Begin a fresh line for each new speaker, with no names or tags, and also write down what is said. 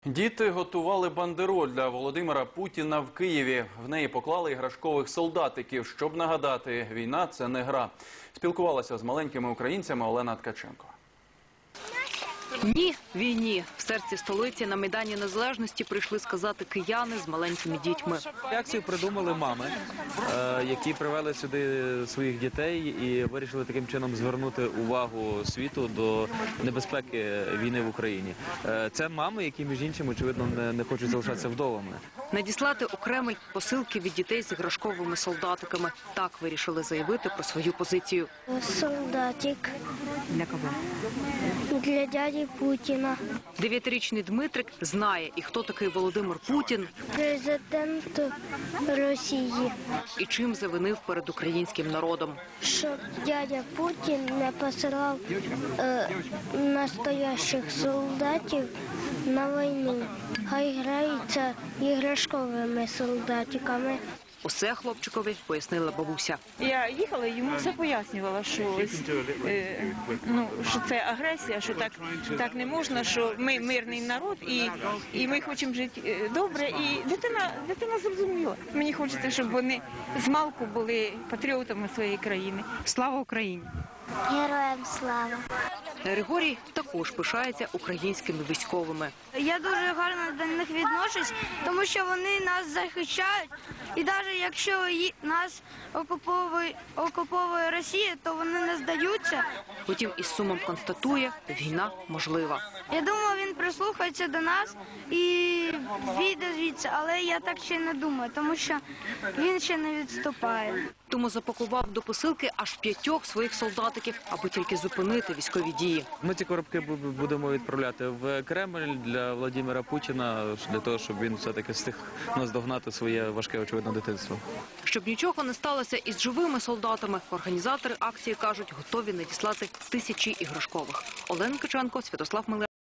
Діти готували бандероль для Володимира Путіна в Києві. В неї поклали іграшкових солдатиків, щоб нагадати, війна – це не гра. Спілкувалася з маленькими українцями Олена Ткаченко.
Ні війні. В серці столиці на Майдані Незалежності прийшли сказати кияни з маленькими дітьми.
Акцію придумали мами, які привели сюди своїх дітей і вирішили таким чином звернути увагу світу до небезпеки війни в Україні. Це мами, які, між іншим, очевидно, не хочуть залишатися вдовами.
Надіслати у Кремль посилки від дітей з іграшковими солдатиками. Так вирішили заявити про свою позицію.
Солдатик.
Для кого?
Для дяді Путіна.
9-річний Дмитрик знає, і хто такий Володимир Путін,
Президент Росії.
і чим завинив перед українським народом.
Щоб дядя Путін не посилав настоящих солдатів на війну. Хай граються іграшковими солдатиками.
Усе хлопчикові пояснила бабуся.
Я їхала, йому все пояснювала, що це агресія, що так не можна, що ми мирний народ і ми хочемо жити добре. І дитина зрозуміла. Мені хочеться, щоб вони змалку були патріотами своєї країни. Слава Україні!
Героям слава!
Григорій також пишається українськими військовими.
Я дуже гарно до них відношусь, тому що вони нас захищають. І навіть якщо нас окуповує Росія, то вони не здаються.
Утім, із сумом констатує, війна можлива.
Я думаю, він прислухається до нас і вийде звідси, але я так ще не думаю, тому що він ще не відступає.
Тому запакував до посилки аж 5 своїх солдатиків, аби тільки зупинити військові дії.
Ми ці коробки будемо відправляти в Кремль для Володимира Путіна, для того, щоб він все-таки встиг наздогнати своє важке, очевидно, дитинство.
Щоб нічого не сталося із живими солдатами, організатори акції кажуть, готові надіслати тисячі іграшкових. Олена Ткаченко, Святослав Милевський.